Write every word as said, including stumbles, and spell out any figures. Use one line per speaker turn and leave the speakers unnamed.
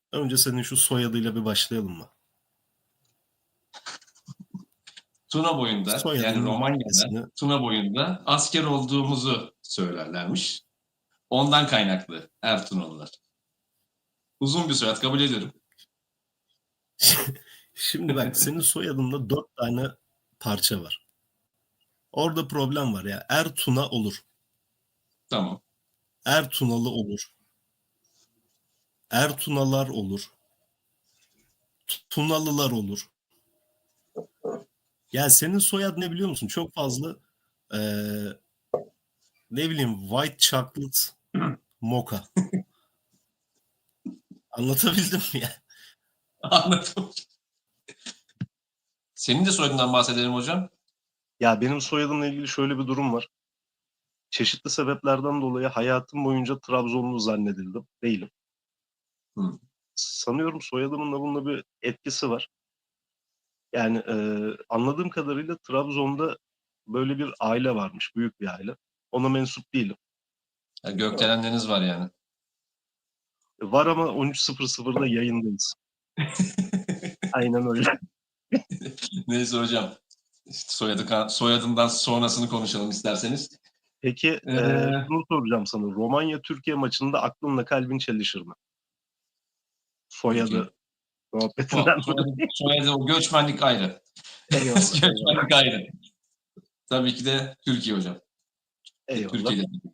Önce senin şu soyadıyla bir başlayalım mı?
Tuna boyunda, yani
Soyadının
Romanya'da,
Türkçesini
Tuna boyunda asker olduğumuzu söylerlermiş. Ondan kaynaklı Ertuğrullular. Uzun bir soyad, kabul ediyorum.
Şimdi bak, senin soyadında dört tane parça var. Orada problem var ya. Ertuna olur.
Tamam.
Ertunalı olur. Ertunalar olur. Tunalılar olur. Ya senin soyad ne biliyor musun? Çok fazla eee, ne bileyim, white chocolate mocha. Anlatabildim mi ya?
Anladım. Senin de soyadından bahsedelim hocam.
Ya benim soyadımla ilgili şöyle bir durum var. Çeşitli sebeplerden dolayı hayatım boyunca Trabzonlu zannedildim. Değilim.
Hı.
Sanıyorum soyadımın da bununla bir etkisi var. Yani e, anladığım kadarıyla Trabzon'da böyle bir aile varmış. Büyük bir aile. Ona mensup değilim.
Ya gökdelenleriniz var yani.
Var ama on üç sıfır sıfırda yayındayız. Aynen öyle.
Neyse hocam. İşte soyadı, soyadından sonrasını konuşalım isterseniz.
Peki
Ee,
e, şunu soracağım sana. Romanya-Türkiye maçında aklınla kalbin çelişir mi? Soyadı muhabbetinden
so- soyadı,
dolayı.
soyadı, o göçmenlik ayrı.
Eyvallah. eyvallah.
Göçmenlik ayrı. Tabii ki de Türkiye hocam.
Eyvallah.
Türkiye'de.